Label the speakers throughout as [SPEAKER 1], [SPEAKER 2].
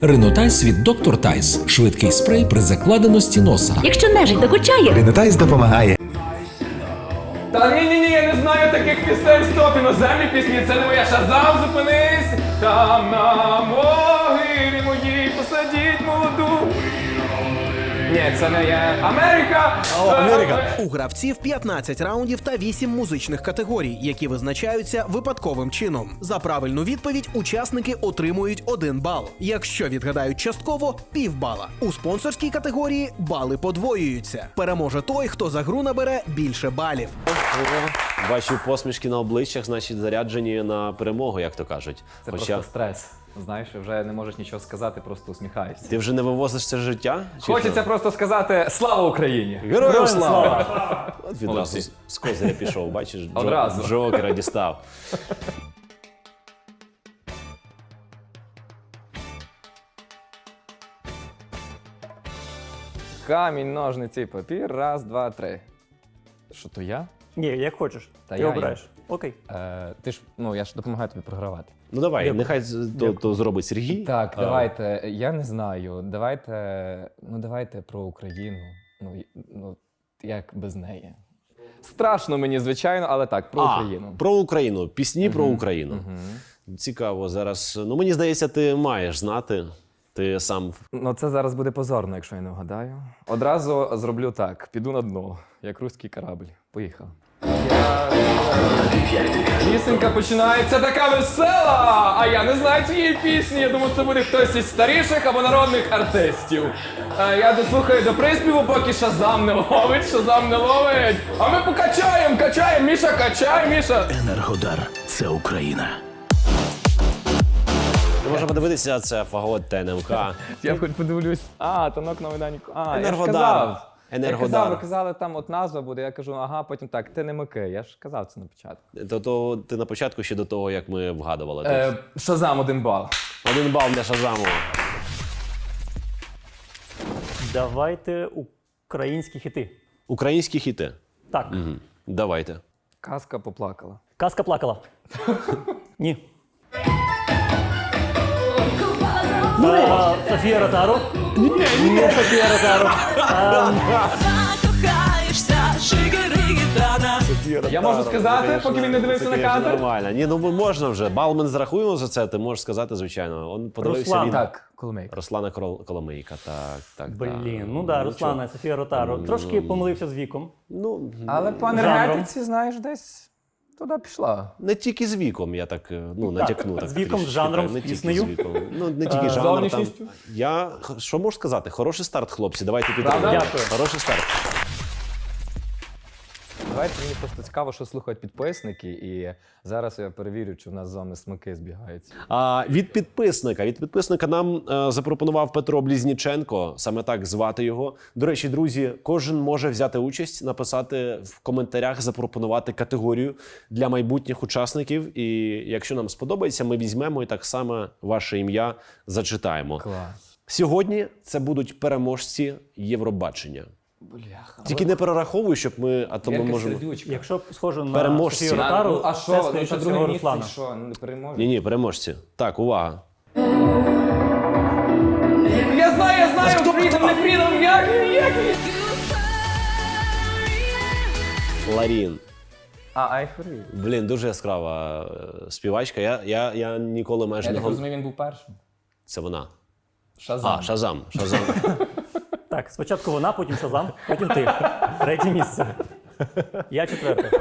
[SPEAKER 1] Ринотайс від Доктор Тайс. Швидкий спрей при закладеності носа.
[SPEAKER 2] Якщо нежить докучає,
[SPEAKER 3] Ринотайс допомагає.
[SPEAKER 4] Та ні, я не знаю таких пісень. Стоп, іноземні пісні, це не моя. Шазам, зупинись. Там на могилі моїй посадіть молоду. Ні, це не є. Америка!
[SPEAKER 3] Америка.
[SPEAKER 5] У гравців 15 раундів та 8 музичних категорій, які визначаються випадковим чином. За правильну відповідь учасники отримують 1 бал. Якщо відгадають частково – півбала. У спонсорській категорії бали подвоюються. Переможе той, хто за гру набере більше балів.
[SPEAKER 6] Бачу посмішки на обличчях, значить заряджені на перемогу, як то кажуть.
[SPEAKER 4] Це просто стрес. Знаєш, вже не можеш нічого сказати, просто усміхаєшся.
[SPEAKER 6] Ти вже не вивозиш це життя? Чи
[SPEAKER 4] Хочеться просто сказати «Слава Україні!»
[SPEAKER 6] Героям слава! От відразу з козиря пішов, бачиш,
[SPEAKER 4] Одразу.
[SPEAKER 6] Джокера дістав.
[SPEAKER 4] Камінь, ножниці, папір. Раз, два, три. Що, то я?
[SPEAKER 7] Ні, як хочеш.
[SPEAKER 4] Та
[SPEAKER 7] Ти
[SPEAKER 4] я
[SPEAKER 7] обираєш. Окей.
[SPEAKER 4] Ти ж, я ж допомагаю тобі програвати.
[SPEAKER 6] Ну давай, нехай то зробить Сергій.
[SPEAKER 4] Так, давайте, я не знаю, давайте про Україну. Як без неї. Страшно мені, звичайно, але так, про Україну.
[SPEAKER 6] Про Україну. Пісні про Україну. Цікаво зараз. Ну, мені здається, ти маєш знати. Ти сам.
[SPEAKER 4] Це зараз буде позорно, якщо я не вгадаю. Одразу зроблю так, піду на дно, як руський корабль. Поїхав. Пісенька починається така весела, а я не знаю цієї пісні. Я думаю, це буде хтось із старіших або народних артистів. Я дослухаю до приспіву, поки Шазам не ловить. А ми качаємо, Міша, качай, Міша.
[SPEAKER 3] Енергодар – це Україна.
[SPEAKER 6] Можна подивитися, це Фагот ТНМК.
[SPEAKER 4] Я хоч подивлюсь. Танок на Майдані.
[SPEAKER 6] Енергодар. Енергодар.
[SPEAKER 4] Ви казали, там от назва буде, я кажу, потім так, ти не мики. Я ж казав це на початку.
[SPEAKER 6] То ти на початку ще до того, як ми вгадували.
[SPEAKER 4] Шазам 1 бал.
[SPEAKER 6] 1 бал для Шазаму.
[SPEAKER 7] Давайте українські хіти.
[SPEAKER 6] Українські хіти.
[SPEAKER 7] Так.
[SPEAKER 6] Давайте.
[SPEAKER 4] Казка поплакала.
[SPEAKER 7] Казка плакала. Ні. Софія Ротару. Ні, Софія Ротару.
[SPEAKER 4] Я можу сказати, поки він не дивився на кадр?
[SPEAKER 6] Нормально. Ні, можна вже. Бал ми не зарахуємо за це, ти можеш сказати, звичайно. Он подивився
[SPEAKER 7] Руслан.
[SPEAKER 6] він.
[SPEAKER 4] Так, Коломейка.
[SPEAKER 6] Руслана Коломийка, так.
[SPEAKER 7] Блін, Руслана, Софія Ротару. Трошки помилився з віком.
[SPEAKER 6] Ну,
[SPEAKER 4] Але по
[SPEAKER 7] Жанром.
[SPEAKER 4] енергетиці, знаєш, десь туди пішла.
[SPEAKER 6] не тільки з віком, я так, натякну.
[SPEAKER 7] з віком, з жанром, з
[SPEAKER 6] не тільки
[SPEAKER 7] піснею.
[SPEAKER 6] з віком. Не тільки жанр. Там.
[SPEAKER 4] зовнішністю?
[SPEAKER 6] Що можу сказати? Хороший старт, хлопці, давайте
[SPEAKER 4] Правда?
[SPEAKER 6] підтримуємо.
[SPEAKER 7] Дякую.
[SPEAKER 6] Хороший старт.
[SPEAKER 4] Давайте, мені просто цікаво, що слухають підписники, і зараз я перевірю, чи в нас з вами смаки збігаються.
[SPEAKER 6] Від підписника нам запропонував Петро Блізніченко, саме так звати його. До речі, друзі, кожен може взяти участь, написати в коментарях, запропонувати категорію для майбутніх учасників. І якщо нам сподобається, ми візьмемо і так само ваше ім'я зачитаємо.
[SPEAKER 4] Клас.
[SPEAKER 6] Сьогодні це будуть переможці Євробачення.
[SPEAKER 4] Бляха.
[SPEAKER 6] Тільки не перераховуй, щоб ми, а то ми можемо...
[SPEAKER 7] Якщо б схоже на
[SPEAKER 6] Переможці.
[SPEAKER 7] Софію Ротару,
[SPEAKER 4] А
[SPEAKER 7] це,
[SPEAKER 4] що,
[SPEAKER 7] скоріше
[SPEAKER 4] друге
[SPEAKER 7] всього,
[SPEAKER 4] місце,
[SPEAKER 7] Руслана.
[SPEAKER 4] що, не переможе?
[SPEAKER 6] Ні, переможці. Так, увага.
[SPEAKER 4] Я знаю, Фрідом, не Фрідом, як він?
[SPEAKER 6] Ларін.
[SPEAKER 4] Айфорі.
[SPEAKER 6] Блін, дуже яскрава співачка. Я ніколи майже
[SPEAKER 4] Я
[SPEAKER 6] не
[SPEAKER 4] так
[SPEAKER 6] говорив.
[SPEAKER 4] розумію, він був першим.
[SPEAKER 6] Це вона.
[SPEAKER 4] Шазам.
[SPEAKER 6] Шазам.
[SPEAKER 7] Так, спочатку вона, потім Шазам, потім ти. Третє місце. Я четверте.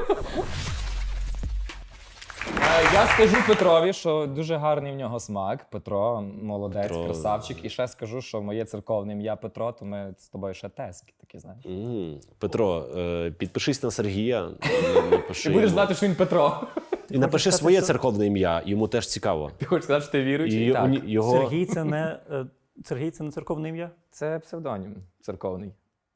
[SPEAKER 4] Я скажу Петрові, що дуже гарний в нього смак. Петро, молодець,
[SPEAKER 6] Петро.
[SPEAKER 4] красавчик. І ще скажу, що моє церковне ім'я Петро, то ми з тобою ще тески такі, знаєш.
[SPEAKER 6] Петро, підпишись на Сергія.
[SPEAKER 4] Ти будеш знати, що він Петро.
[SPEAKER 6] І напиши своє церковне ім'я, йому теж цікаво.
[SPEAKER 4] Ти хочеш сказати, що ти віруючий?
[SPEAKER 6] І
[SPEAKER 4] Так.
[SPEAKER 6] його...
[SPEAKER 7] Сергій це не церковне ім'я?
[SPEAKER 4] Це псевдонім церковний.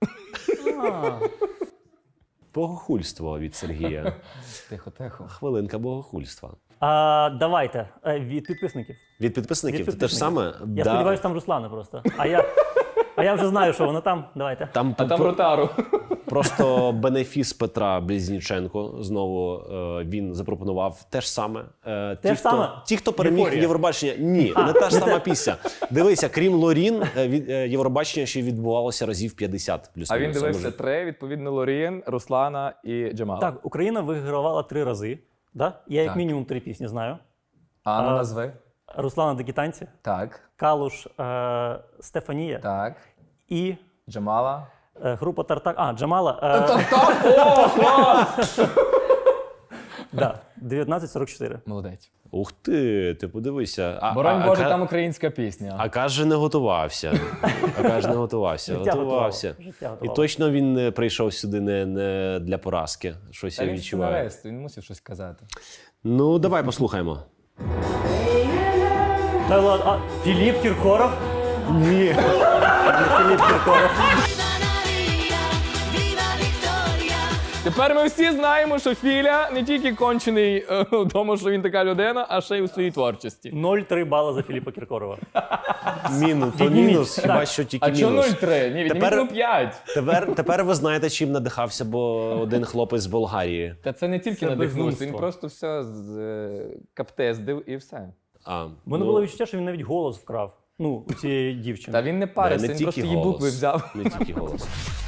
[SPEAKER 6] Богохульство від Сергія.
[SPEAKER 4] Тихо.
[SPEAKER 6] Хвилинка богохульства.
[SPEAKER 7] Давайте, від підписників.
[SPEAKER 6] Від підписників?
[SPEAKER 7] Від
[SPEAKER 6] Ти те ж саме?
[SPEAKER 7] Я сподіваюся, там Руслана просто. А я вже знаю, що воно там. Давайте.
[SPEAKER 6] Там
[SPEAKER 4] А там Ротару.
[SPEAKER 6] Просто бенефіс Петра Близніченко знову він запропонував те ж саме. Ті, хто переміг
[SPEAKER 7] Євфорія.
[SPEAKER 6] Євробачення, ні, не та ж сама пісня. Дивися, крім Лорін, Євробачення ще відбувалося разів 50 плюс.
[SPEAKER 4] А він дивився 3, відповідно, Лорін, Руслана і Джамала.
[SPEAKER 7] Так, Україна вигравала 3 рази. Да? Я як мінімум 3 пісні знаю.
[SPEAKER 4] А ну назви.
[SPEAKER 7] Руслана Дикі танці,
[SPEAKER 4] Так,
[SPEAKER 7] Калуш, Стефанія
[SPEAKER 4] так.
[SPEAKER 7] і
[SPEAKER 4] Джамала.
[SPEAKER 7] група Тартак. Джамала.
[SPEAKER 4] О, клас!
[SPEAKER 7] Да, 1944.
[SPEAKER 4] Молодець.
[SPEAKER 6] Ух ти подивися.
[SPEAKER 4] Боронь Боже, там українська пісня.
[SPEAKER 6] А каже, не готувався.
[SPEAKER 7] Життя
[SPEAKER 6] Готувався.
[SPEAKER 7] готувало. Життя
[SPEAKER 6] І
[SPEAKER 7] готувало.
[SPEAKER 6] точно він не прийшов сюди не для поразки. Щось
[SPEAKER 4] Та
[SPEAKER 6] я
[SPEAKER 4] він
[SPEAKER 6] відчуваю.
[SPEAKER 4] сценарист, він мусив щось казати.
[SPEAKER 6] Ну, давай послухаємо.
[SPEAKER 7] Та ладно, Філіп Кіркоров? Ні. Не Філіп Кіркоров.
[SPEAKER 4] Тепер ми всі знаємо, що Філя не тільки кончений в тому, що він така людина, а ще й у своїй творчості.
[SPEAKER 7] 0,3 бала за Філіпа Кіркорова.
[SPEAKER 6] Мінус, хіба
[SPEAKER 7] Так.
[SPEAKER 6] що тільки
[SPEAKER 4] А чого
[SPEAKER 6] мінус.
[SPEAKER 4] 0,3? Ні, відніміть
[SPEAKER 6] Тепер-
[SPEAKER 4] 0,5.
[SPEAKER 6] Тепер ви знаєте, чим надихався, бо один хлопець з Болгарії.
[SPEAKER 4] Та це не тільки
[SPEAKER 7] Це
[SPEAKER 4] надихнувся, він
[SPEAKER 7] безумство.
[SPEAKER 4] просто все каптездив і все.
[SPEAKER 6] А,
[SPEAKER 7] У мене було відчуття, що він навіть голос вкрав. Ну, у цієї дівчини.
[SPEAKER 4] Та він не парився, він просто її букви взяв.
[SPEAKER 6] Не тільки голос.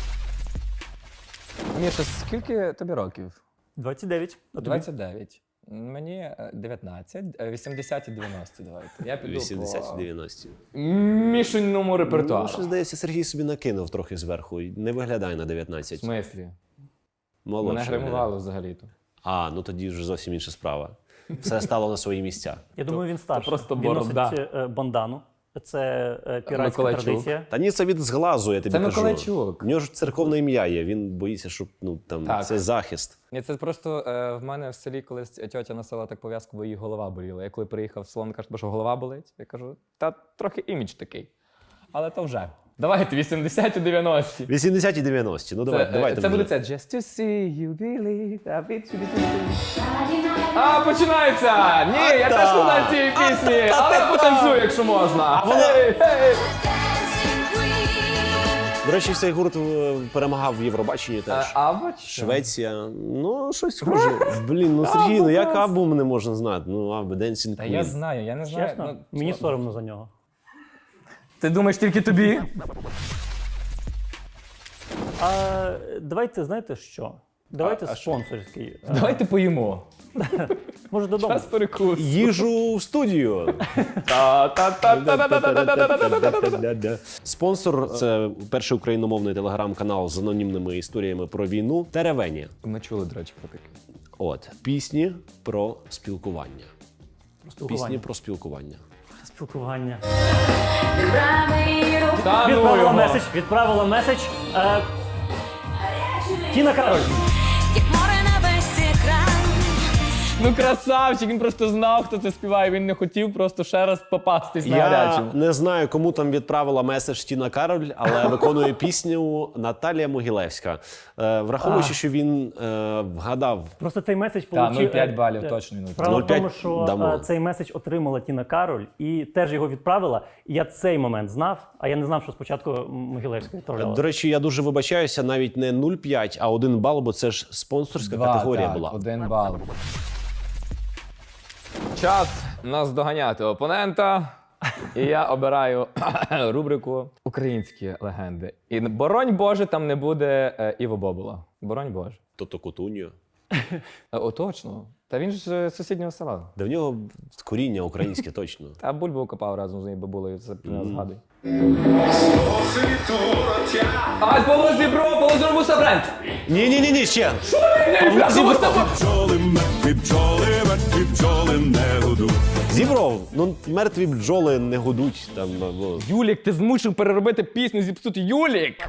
[SPEAKER 4] Міша, скільки тобі років?
[SPEAKER 7] 29. А тобі?
[SPEAKER 4] 29. Мені 19, 80 і 90 давайте. Я піду
[SPEAKER 6] 80-90.
[SPEAKER 4] по мішаному
[SPEAKER 6] Ну,
[SPEAKER 4] репертуару.
[SPEAKER 6] що, здається, Сергій собі накинув трохи зверху. і Не виглядає на
[SPEAKER 4] В
[SPEAKER 6] 19.
[SPEAKER 4] смислі? Мене
[SPEAKER 6] Молодше.
[SPEAKER 4] гримували взагалі-то.
[SPEAKER 6] А, ну тоді вже зовсім інша справа. Все стало на свої місця.
[SPEAKER 7] Я думаю, він старший.
[SPEAKER 4] просто
[SPEAKER 7] він
[SPEAKER 4] борода.
[SPEAKER 7] носить бандану. Це піратська
[SPEAKER 4] Миколайчук.
[SPEAKER 7] традиція.
[SPEAKER 6] Та ні, це від зглазу, я тобі
[SPEAKER 4] Це
[SPEAKER 6] кажу.
[SPEAKER 4] Миколайчук.
[SPEAKER 6] У нього ж церковне ім'я є, він боїться, щоб
[SPEAKER 4] Так.
[SPEAKER 6] це захист.
[SPEAKER 4] Ні, це просто в мене в селі колись тьотя носила так пов'язку, бо її голова боліла. Я коли приїхав в село, вона каже, що голова болить. Я кажу, та трохи імідж такий. Але то вже. Давайте 80 і 90.
[SPEAKER 6] 80 і 90. Ну давайте.
[SPEAKER 4] Це
[SPEAKER 6] вже.
[SPEAKER 4] буде це. Just to see you believe, a bit to be. А, починається! Ні, я теж не знаю цієї пісні, але я потанцюю, якщо можна. Гей!
[SPEAKER 6] До речі, цей гурт перемагав в Євробаченні теж.
[SPEAKER 4] Або
[SPEAKER 6] Швеція. Ну, щось схоже. Блін, ну Сергій, ну як Абу не можна знати? Ну, Абу, Dancing
[SPEAKER 4] Та я
[SPEAKER 6] Queen.
[SPEAKER 4] знаю, я не знаю.
[SPEAKER 7] Чесно, мені соромно за нього.
[SPEAKER 4] Ти думаєш тільки тобі?
[SPEAKER 7] Давайте, знаєте що? Давайте спонсорський.
[SPEAKER 4] Давайте поїмо.
[SPEAKER 7] Може додому.
[SPEAKER 4] Час перекус.
[SPEAKER 6] Їжу в студію. Спонсор це перший україномовний телеграм-канал з анонімними історіями про війну Теревені.
[SPEAKER 4] Ми чули, до речі, про таке.
[SPEAKER 6] От пісні про спілкування.
[SPEAKER 7] Спілкування.
[SPEAKER 6] Пісні про спілкування.
[SPEAKER 7] Спілкування.
[SPEAKER 4] Та ну
[SPEAKER 7] Відправила
[SPEAKER 4] його.
[SPEAKER 7] меседж. Відправила меседж. Тіна Кароль.
[SPEAKER 2] Як море на весь екран.
[SPEAKER 4] Ну красавчик, він просто знав, хто це співає. Він не хотів просто ще раз попастись на
[SPEAKER 6] Я
[SPEAKER 4] гарячому.
[SPEAKER 6] не знаю, кому там відправила меседж Тіна Кароль, але виконує пісню Наталія Могилевська. Враховуючи, що він вгадав.
[SPEAKER 7] Просто цей меседж
[SPEAKER 4] Та,
[SPEAKER 7] получив...
[SPEAKER 4] 0,5 балів точно. він
[SPEAKER 7] Справа в
[SPEAKER 6] 0,5
[SPEAKER 7] тому, що
[SPEAKER 6] дамо.
[SPEAKER 7] цей меседж отримала Тіна Кароль і теж його відправила. І я цей момент знав, а я не знав, що спочатку Могилевська відправляла.
[SPEAKER 6] До речі, я дуже вибачаюся, навіть не 0,5, а 1 бал, бо це ж спонсорська категорія була.
[SPEAKER 4] 1 бал. Час нас доганяти опонента. І я обираю рубрику «Українські легенди». І боронь Боже, там не буде Іво Бобула. Боронь Боже.
[SPEAKER 6] Тобто Кутуньо.
[SPEAKER 4] О, точно. Та він ж з сусіднього села.
[SPEAKER 6] Да в нього коріння українське точно.
[SPEAKER 4] Та бульбу копав разом з нею бабулею, це згадуй. А, Павло Зібро, Павло Зробуса бренд!
[SPEAKER 6] Ні, ще.
[SPEAKER 8] Бджоли, мертві бджоли не гудуть.
[SPEAKER 6] Зібров, ну мертві бджоли не гудуть там. Або...
[SPEAKER 4] Юлік, ти змусив переробити пісню зіпсути. Юлік!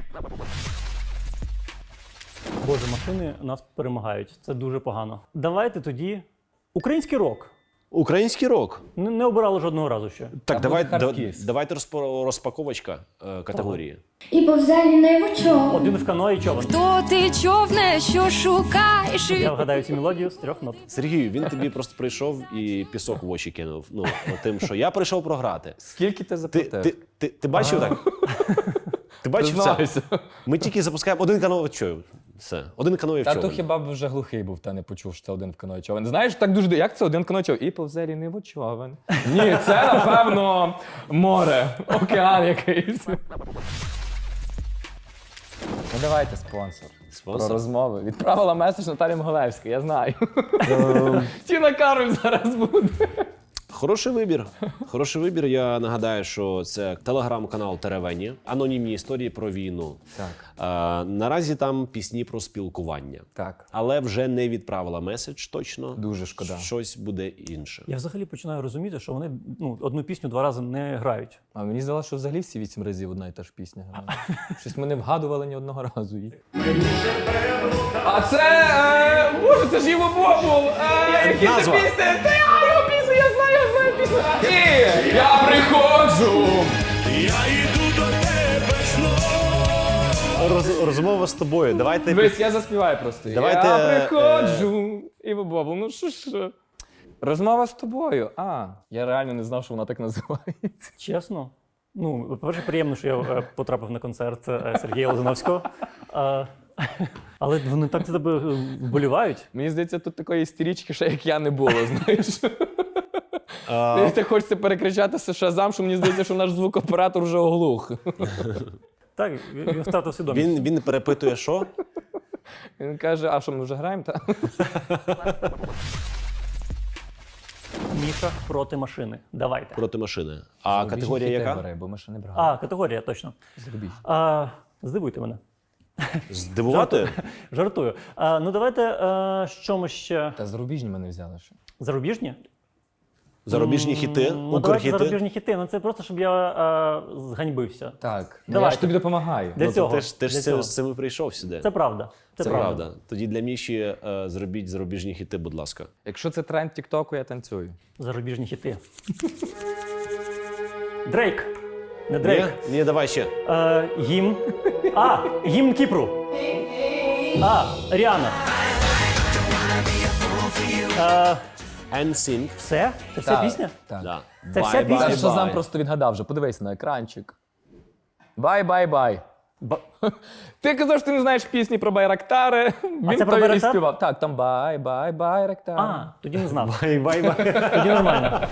[SPEAKER 7] Боже, машини нас перемагають. Це дуже погано. Давайте тоді український рок.
[SPEAKER 6] Український рок.
[SPEAKER 7] Не обирали жодного разу ще.
[SPEAKER 6] Так,
[SPEAKER 4] буде хардкіс.
[SPEAKER 6] давайте розпаковочка категорії.
[SPEAKER 9] І повзалі не вучок.
[SPEAKER 7] Один в каної і човен.
[SPEAKER 2] Хто ти човне, що шукаєш?
[SPEAKER 7] Я вгадаю цю мелодію з 3 нот.
[SPEAKER 6] Сергію, він тобі просто прийшов і пісок в очі кинув. Ну, тим, що я прийшов програти.
[SPEAKER 4] Скільки ти заплатив?
[SPEAKER 6] Ти бачив так? Ти бачив це?
[SPEAKER 4] Признайся.
[SPEAKER 6] Ми тільки запускаємо один канал. Що? Все. Один каноє в
[SPEAKER 4] Та
[SPEAKER 6] човен.
[SPEAKER 4] то хіба б вже глухий був, та не почув, що це один в каної човен. Знаєш, так дуже, як це один в каної човен? І повзе лінивий човен. Ні, це, напевно, море, океан якийсь. Ну давайте спонсор.
[SPEAKER 6] Спонсор?
[SPEAKER 4] Про розмови. Відправила меседж Наталі Моголевська, я знаю. Тіна Кароль зараз буде.
[SPEAKER 6] Хороший вибір. Хороший вибір. Я нагадаю, що це телеграм-канал Теревені. Анонімні історії про війну.
[SPEAKER 4] Так.
[SPEAKER 6] Наразі там пісні про спілкування.
[SPEAKER 4] Так.
[SPEAKER 6] Але вже не відправила меседж точно.
[SPEAKER 4] Дуже шкода.
[SPEAKER 6] Щось буде інше.
[SPEAKER 7] Я взагалі починаю розуміти, що вони одну пісню 2 рази не грають.
[SPEAKER 4] А мені здалося, що взагалі всі 8 разів одна і та ж пісня грає. Щось ми не вгадували ні одного разу її. А це, боже, це ж Іво Бобул. Які це
[SPEAKER 6] Назва.
[SPEAKER 4] пісні? Та я його пісню, я знаю пісню. І я приходжу.
[SPEAKER 8] Я йду до тебе знов.
[SPEAKER 6] Розмова з тобою. Давайте
[SPEAKER 4] Дивись, я заспіваю просто.
[SPEAKER 6] Давайте,
[SPEAKER 4] Я приходжу. Іво Бобул, ну що? Розмова з тобою. Я реально не знав, що вона так називається.
[SPEAKER 7] Чесно. Ну, по-перше, приємно, що я потрапив на концерт Сергія Лозановського. Але вони так за тебе вболівають.
[SPEAKER 4] Мені здається, тут такої істерички, ще як я не було, знаєш. Так хочеться перекричати Шазам, що мені здається, що наш звукооператор вже оглух.
[SPEAKER 7] Так, він втратив свідомість.
[SPEAKER 6] Він перепитує, що?
[SPEAKER 4] Він каже, а що, ми вже граємо? Та?
[SPEAKER 7] Міша проти машини. Давайте.
[SPEAKER 6] Проти машини. А категорія яка?
[SPEAKER 4] Бери, бо ми ще не брали.
[SPEAKER 7] Категорія, точно.
[SPEAKER 4] Зарубіж.
[SPEAKER 7] Здивуйте мене.
[SPEAKER 6] Здивувати?
[SPEAKER 7] Жартую. Ну давайте, що ми ще?
[SPEAKER 4] Та зарубіжні мене взяли ще.
[SPEAKER 7] Зарубіжні?
[SPEAKER 6] Зарубіжні хіти,
[SPEAKER 7] Ну, давайте
[SPEAKER 6] укрхіти.
[SPEAKER 7] зарубіжні хіти. Ну це просто, щоб я зганьбився.
[SPEAKER 4] Так, я
[SPEAKER 7] Давайте.
[SPEAKER 4] ж тобі допомагаю.
[SPEAKER 7] Для цього.
[SPEAKER 6] Ти ж
[SPEAKER 7] для
[SPEAKER 6] з
[SPEAKER 7] цього.
[SPEAKER 6] цим і прийшов сюди.
[SPEAKER 7] Це правда.
[SPEAKER 6] Це правда. Тоді для Міші зробіть зарубіжні хіти, будь ласка.
[SPEAKER 4] Якщо це тренд Тіктоку, я танцюю.
[SPEAKER 7] Зарубіжні хіти. Дрейк. Не Дрейк.
[SPEAKER 6] Ні, давай ще.
[SPEAKER 7] Гімн. Гімн Кіпру. Ріана.
[SPEAKER 6] NSYNC.
[SPEAKER 7] Все? Це вся пісня?
[SPEAKER 4] Так.
[SPEAKER 6] Да.
[SPEAKER 7] Це вся
[SPEAKER 6] Bye,
[SPEAKER 7] пісня?
[SPEAKER 6] bye,
[SPEAKER 4] Це Шазам
[SPEAKER 6] bye.
[SPEAKER 4] просто відгадав вже. Подивись на екранчик. Бай-бай-бай. Ти казав, що ти не знаєш пісні про Байрактари. Він
[SPEAKER 7] це про
[SPEAKER 4] то і
[SPEAKER 7] Байрактар?
[SPEAKER 4] співав. Так, там бай-бай-байрактар.
[SPEAKER 7] Тоді не знав.
[SPEAKER 6] Бай-бай-бай.
[SPEAKER 7] Тоді нормально.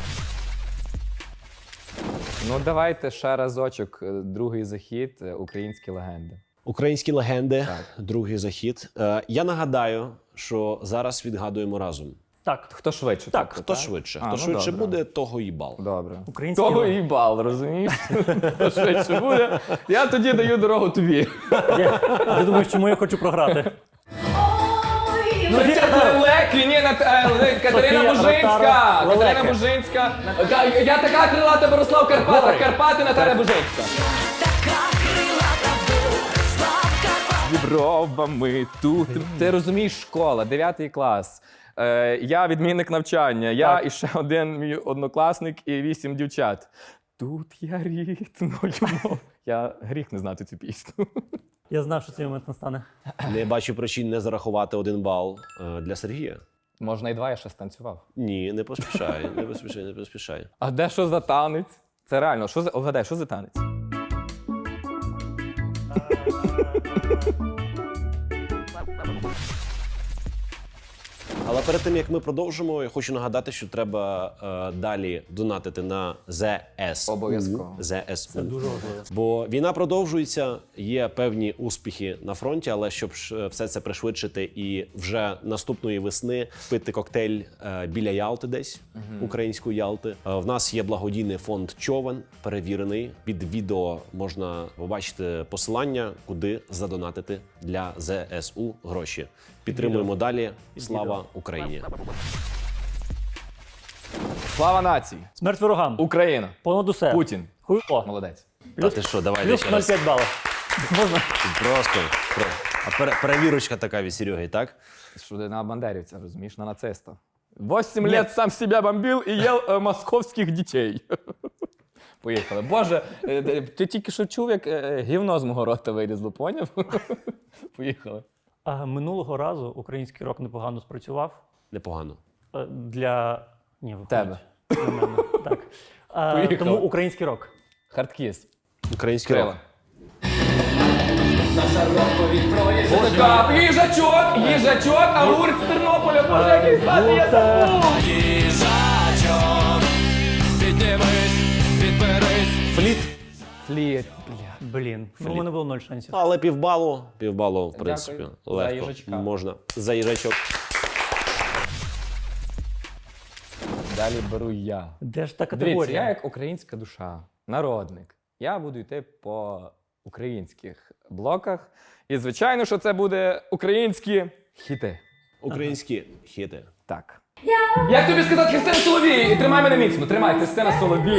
[SPEAKER 4] Ну давайте ще разочок. Другий захід. Українські легенди.
[SPEAKER 6] Українські легенди, другий захід. Я нагадаю, що зараз відгадуємо разом.
[SPEAKER 7] Так.
[SPEAKER 4] Хто швидше?
[SPEAKER 7] Так,
[SPEAKER 4] тобто,
[SPEAKER 6] Хто швидше?
[SPEAKER 4] А,
[SPEAKER 6] Хто
[SPEAKER 4] ну,
[SPEAKER 6] швидше
[SPEAKER 4] добре.
[SPEAKER 6] буде, того і бал.
[SPEAKER 4] Добре.
[SPEAKER 7] Українські
[SPEAKER 4] Того
[SPEAKER 7] легенди.
[SPEAKER 4] і бал, розумієш? Хто швидше буде. Я тоді даю дорогу тобі.
[SPEAKER 7] Я думаю, чому я хочу програти?
[SPEAKER 2] Ну,
[SPEAKER 4] Лелеки, ні, Катерина
[SPEAKER 7] Софія
[SPEAKER 4] Бужинська.
[SPEAKER 7] Ротару,
[SPEAKER 4] Катерина
[SPEAKER 7] Лелеки.
[SPEAKER 4] Бужинська. Я така крилата виросла в Карпатах.
[SPEAKER 7] Гори.
[SPEAKER 4] Карпати, Наталя Бужинська. З бровами тут. Ти розумієш, школа, 9 клас. Я відмінник навчання. Я і ще один мій однокласник і 8 дівчат. Тут я рідною мов. Я гріх не знати цю пісню.
[SPEAKER 7] Я знав, що цей момент настане.
[SPEAKER 6] Не бачу причин не зарахувати 1 бал для Сергія.
[SPEAKER 4] Можна і 2, я ще станцював.
[SPEAKER 6] Ні, не поспішай, не поспішай, не поспішай.
[SPEAKER 4] А де що за танець? Це реально, вгадай, що за танець?
[SPEAKER 6] Але перед тим, як ми продовжимо, я хочу нагадати, що треба далі донатити на ЗСУ.
[SPEAKER 4] Обов'язково.
[SPEAKER 6] ЗСУ.
[SPEAKER 7] Це дуже важливо.
[SPEAKER 6] Бо війна продовжується, є певні успіхи на фронті, але щоб все це пришвидшити і вже наступної весни пити коктейль біля Ялти десь, української Ялти. В нас є благодійний фонд «Човен», перевірений. Під відео можна побачити посилання, куди задонатити для ЗСУ гроші. Підтримуємо далі. Слава Україні!
[SPEAKER 4] Слава нації!
[SPEAKER 7] Смерть ворогам.
[SPEAKER 4] Україна!
[SPEAKER 7] Понад усе.
[SPEAKER 4] Путін!
[SPEAKER 7] Хуйло.
[SPEAKER 4] Молодець.
[SPEAKER 6] Та ти що, давай
[SPEAKER 7] Плюс
[SPEAKER 6] ще раз.
[SPEAKER 7] 0,5 балів. Можна?
[SPEAKER 6] Просто. Перевірочка така від Сереги, так?
[SPEAKER 4] Що ти на бандерівця, розумієш, на нациста. 8 лет сам себя бомбил и ел московських дітей. Поїхали. Боже, ти тільки що чув, як гівно з мого рота вилізло, поняв? Поїхали.
[SPEAKER 7] Минулого разу український рок непогано спрацював.
[SPEAKER 6] Непогано.
[SPEAKER 7] Для... Ні, виходить.
[SPEAKER 4] Тебе.
[SPEAKER 7] Для мене. Так.
[SPEAKER 4] Поїхали.
[SPEAKER 7] Тому український рок.
[SPEAKER 4] Хардкіс.
[SPEAKER 6] Український
[SPEAKER 4] Крила.
[SPEAKER 6] рок.
[SPEAKER 4] Така, їжачок, а гурт з Тернополя, боже, який звати, я забув!
[SPEAKER 6] Фліт.
[SPEAKER 4] Фліт.
[SPEAKER 7] Блін, ну у мене було 0 шансів.
[SPEAKER 6] Але півбалу, в принципі,
[SPEAKER 4] Дякую за
[SPEAKER 6] легко.
[SPEAKER 4] їжачка.
[SPEAKER 6] Можна. За їжачок.
[SPEAKER 4] Далі беру я.
[SPEAKER 7] Де ж та
[SPEAKER 4] Дивіться,
[SPEAKER 7] категорія?
[SPEAKER 4] я як українська душа, народник. Я буду йти по українських блоках. І, звичайно, що це буде українські хіти.
[SPEAKER 6] Українські хіти.
[SPEAKER 4] Так. Як тобі сказати Христина Соловій? І тримай мене міцно, тримай, Христина Соловій.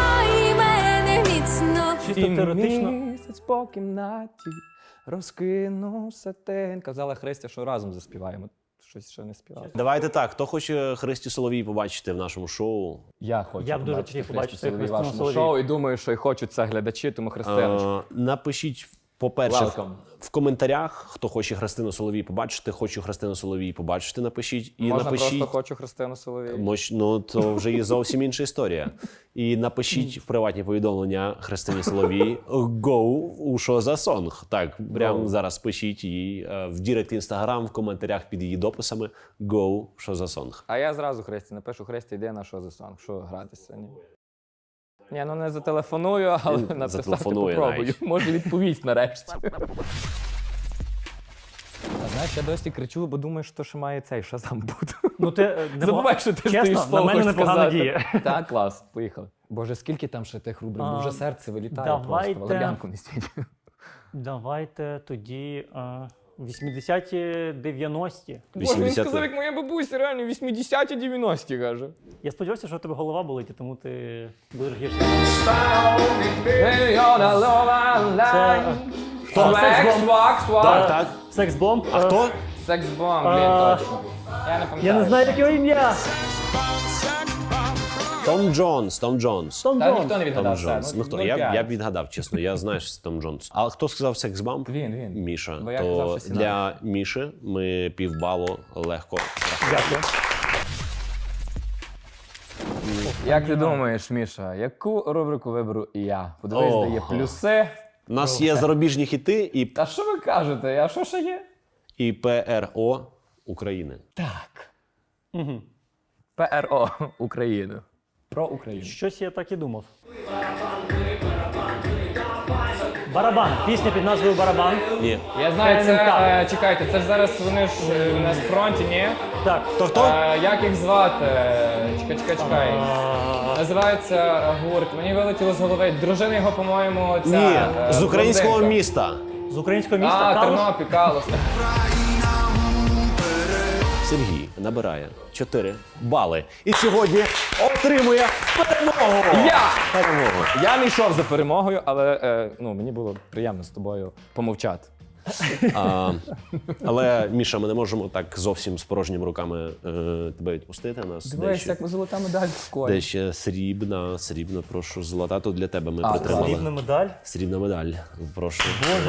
[SPEAKER 7] Чисто теоретично.
[SPEAKER 4] Місяць по кімнаті розкинувся тень. Казала Христя, що разом заспіваємо. Щось ще не співали.
[SPEAKER 6] Давайте так, хто хоче Христю Соловій побачити в нашому шоу?
[SPEAKER 4] Я хочу
[SPEAKER 7] Я б дуже
[SPEAKER 4] побачити
[SPEAKER 7] хотів побачити
[SPEAKER 4] Христю Соловій в
[SPEAKER 7] Христину
[SPEAKER 4] вашому
[SPEAKER 7] Соловій.
[SPEAKER 4] шоу і думаю, що і хочуть це глядачі, тому Христиночку.
[SPEAKER 6] Напишіть, по-перше,
[SPEAKER 4] Welcome.
[SPEAKER 6] в коментарях, хто хоче Христину Соловій побачити, хочу Христину Соловій побачити, напишіть. І
[SPEAKER 4] Можна
[SPEAKER 6] напишіть,
[SPEAKER 4] просто хочу Христину Соловій.
[SPEAKER 6] Ну, то вже є зовсім інша історія. І напишіть в приватні повідомлення Христині Соловій «Go» у «Що за сонг». Так, прямо зараз пишіть їй в дірект Інстаграм, в коментарях під її дописами «Go» «Що за сонг».
[SPEAKER 4] А я зразу Христі напишу: Христі, йди на що за сонг, що гратися. Ні, ну не зателефоную, але
[SPEAKER 6] Він
[SPEAKER 4] написати
[SPEAKER 6] зателефонує
[SPEAKER 4] попробую.
[SPEAKER 6] навіть.
[SPEAKER 4] Може відповість нарешті. А знаєш, я досі кричу, бо думаю, що ще має цей шазам бути.
[SPEAKER 7] Ну, ти
[SPEAKER 4] Забувай, що ти стоїш
[SPEAKER 7] чесно,
[SPEAKER 4] слово
[SPEAKER 7] на мене
[SPEAKER 4] хочеш
[SPEAKER 7] непогано
[SPEAKER 4] сказати.
[SPEAKER 7] діє.
[SPEAKER 4] Так, клас, поїхали. Боже, скільки там ще тих рубрик, бо вже серце вилітає
[SPEAKER 7] давайте.
[SPEAKER 4] просто, валер'янку не стійте.
[SPEAKER 7] Давайте тоді 80-ті, 90-ті.
[SPEAKER 4] Боже, він
[SPEAKER 6] 80-ті.
[SPEAKER 4] сказав, як моя бабуся, реально, 80-ті, 90-ті, каже.
[SPEAKER 7] Я сподівався, що у тебе голова болить, і тому ти будеш гірше.
[SPEAKER 6] Так, так.
[SPEAKER 7] Секс-бомб.
[SPEAKER 6] А хто?
[SPEAKER 4] Секс-бомб, блін, точно. Я не пам'ятаю.
[SPEAKER 7] Я не знаю, яке його ім'я.
[SPEAKER 6] Том Джонс, Том Джонс.
[SPEAKER 7] Том
[SPEAKER 4] Та
[SPEAKER 7] Джонс.
[SPEAKER 4] ніхто не
[SPEAKER 6] Том
[SPEAKER 4] відгадав.
[SPEAKER 6] Джонс.
[SPEAKER 4] все,
[SPEAKER 6] Ну хто? Я б відгадав, чесно. Я знаю, що це Том Джонс. А хто сказав секс-бамп?
[SPEAKER 4] Він.
[SPEAKER 6] Міша.
[SPEAKER 4] Бо я казав,
[SPEAKER 6] То
[SPEAKER 4] що
[SPEAKER 6] для Міші ми півбалу легко.
[SPEAKER 7] Дякую.
[SPEAKER 4] Як ти думаєш, Міша, яку рубрику виберу я? Подивись, де є
[SPEAKER 6] Ого.
[SPEAKER 4] плюси.
[SPEAKER 6] У нас є зарубіжні хіти
[SPEAKER 4] Та що ви кажете? А що ще є?
[SPEAKER 6] і ПРО України.
[SPEAKER 4] Так. ПРО України. Про Україну.
[SPEAKER 7] Щось я так і думав. Барабан. Пісня під назвою Барабан.
[SPEAKER 6] Ні.
[SPEAKER 4] Я знаю, це,
[SPEAKER 7] НМК.
[SPEAKER 4] чекайте, це ж зараз вони ж на фронті, ні?
[SPEAKER 7] Так.
[SPEAKER 6] Хто?
[SPEAKER 4] Як їх звати? Чекай. Називається гурт. Мені вилетіло з голови. Дружина його, по-моєму, ця...
[SPEAKER 6] Ні, з українського
[SPEAKER 4] блондинка.
[SPEAKER 6] міста.
[SPEAKER 7] З українського міста
[SPEAKER 4] А,
[SPEAKER 7] Калуш.
[SPEAKER 4] Тернопіль, Калуш.
[SPEAKER 6] Сергій набирає 4 бали. І сьогодні отримує перемогу. Перемогу.
[SPEAKER 4] Я не йшов за перемогою, але мені було приємно з тобою помовчати.
[SPEAKER 6] Але, Міша, ми не можемо так зовсім з порожніми руками тебе відпустити. У нас
[SPEAKER 4] Дивись, як золота медаль в школі.
[SPEAKER 6] де ще срібна, прошу, золота. Тут для тебе ми
[SPEAKER 7] Срібна
[SPEAKER 6] притримали.
[SPEAKER 7] медаль.
[SPEAKER 6] Срібна медаль. Прошу.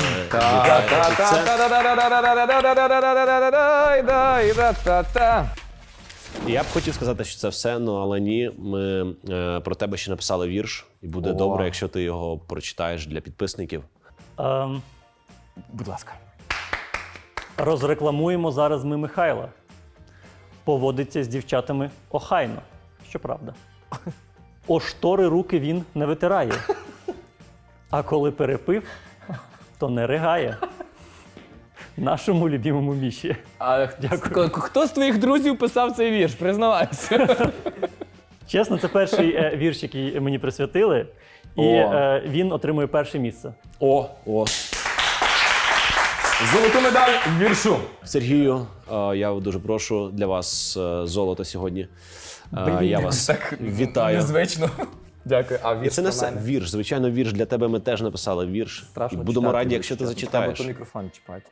[SPEAKER 6] Я б хотів сказати, що це все, але ні. Ми про тебе ще написали вірш, і буде добре, якщо ти його прочитаєш для підписників.
[SPEAKER 4] Будь ласка.
[SPEAKER 7] Розрекламуємо зараз ми Михайла. Поводиться з дівчатами охайно. Щоправда. О штори руки він не витирає. А коли перепив, то не ригає. Нашому любимому Міші.
[SPEAKER 4] Дякую. Хто з твоїх друзів писав цей вірш? Признавайся.
[SPEAKER 7] Чесно, це перший вірш, який мені присвятили. І він отримує перше місце.
[SPEAKER 6] О.
[SPEAKER 4] Золоту медаль в віршу.
[SPEAKER 6] Сергію, я дуже прошу для вас золото сьогодні. Я вас вітаю.
[SPEAKER 4] Незвично. Дякую. А
[SPEAKER 6] І
[SPEAKER 4] вірш
[SPEAKER 6] це не
[SPEAKER 4] про
[SPEAKER 6] все.
[SPEAKER 4] мене?
[SPEAKER 6] Вірш. Звичайно, вірш для тебе ми теж написали вірш.
[SPEAKER 4] Страшно
[SPEAKER 6] І будемо
[SPEAKER 4] читати
[SPEAKER 6] раді,
[SPEAKER 4] вірш,
[SPEAKER 6] якщо ти
[SPEAKER 4] чесно.
[SPEAKER 6] зачитаєш.
[SPEAKER 4] Треба то мікрофон чіпати.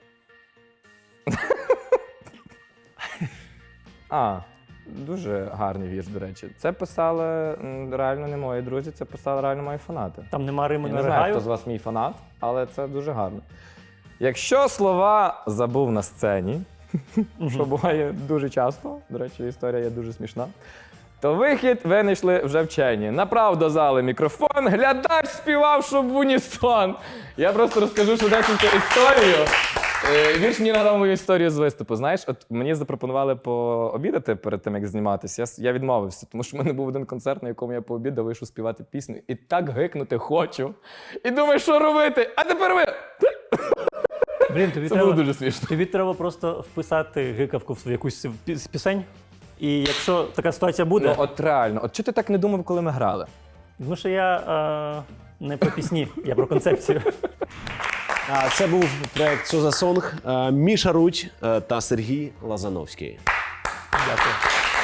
[SPEAKER 4] Дуже гарний вірш, до речі. Це писали реально не мої друзі, це писали реально мої фанати.
[SPEAKER 7] Там нема Риму
[SPEAKER 4] Я
[SPEAKER 7] не
[SPEAKER 4] не знаю,
[SPEAKER 7] ригаю.
[SPEAKER 4] хто з вас мій фанат, але це дуже гарно. Якщо слова забув на сцені, що буває дуже часто, до речі, історія є дуже смішна, то вихід винайшли вже вчені. Направ до зали мікрофон, глядач співав, щоб в унісон. Я просто розкажу швидесеньку історію. Вірш мені нагадав мою історію з виступу. Знаєш, от мені запропонували пообідати перед тим, як зніматися. Я відмовився, тому що в мене був один концерт, на якому я пообідав, вийшов співати пісню. І так гикнути хочу. І думаю, що робити? А тепер ви!
[SPEAKER 7] Блін, тобі
[SPEAKER 4] Це
[SPEAKER 7] треба,
[SPEAKER 4] було дуже смішно.
[SPEAKER 7] тобі треба просто вписати гикавку в якусь з пісень. І якщо така ситуація буде,
[SPEAKER 4] Ну от реально, от чого ти так не думав, коли ми грали?
[SPEAKER 7] тому що я не про пісні, я про концепцію.
[SPEAKER 6] Це був проект «Що за сонг», Міша Рудь та Сергій Лазановський.
[SPEAKER 7] Дякую.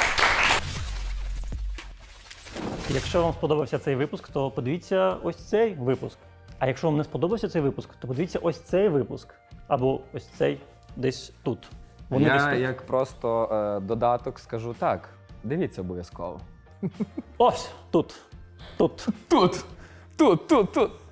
[SPEAKER 7] Якщо вам сподобався цей випуск, то подивіться ось цей випуск. А якщо вам не сподобався цей випуск, то подивіться ось цей випуск. Або ось цей десь тут. Вони десь
[SPEAKER 4] Я
[SPEAKER 7] тут.
[SPEAKER 4] як просто додаток скажу так. Дивіться обов'язково.
[SPEAKER 7] Ось тут. Тут.
[SPEAKER 4] Тут, тут.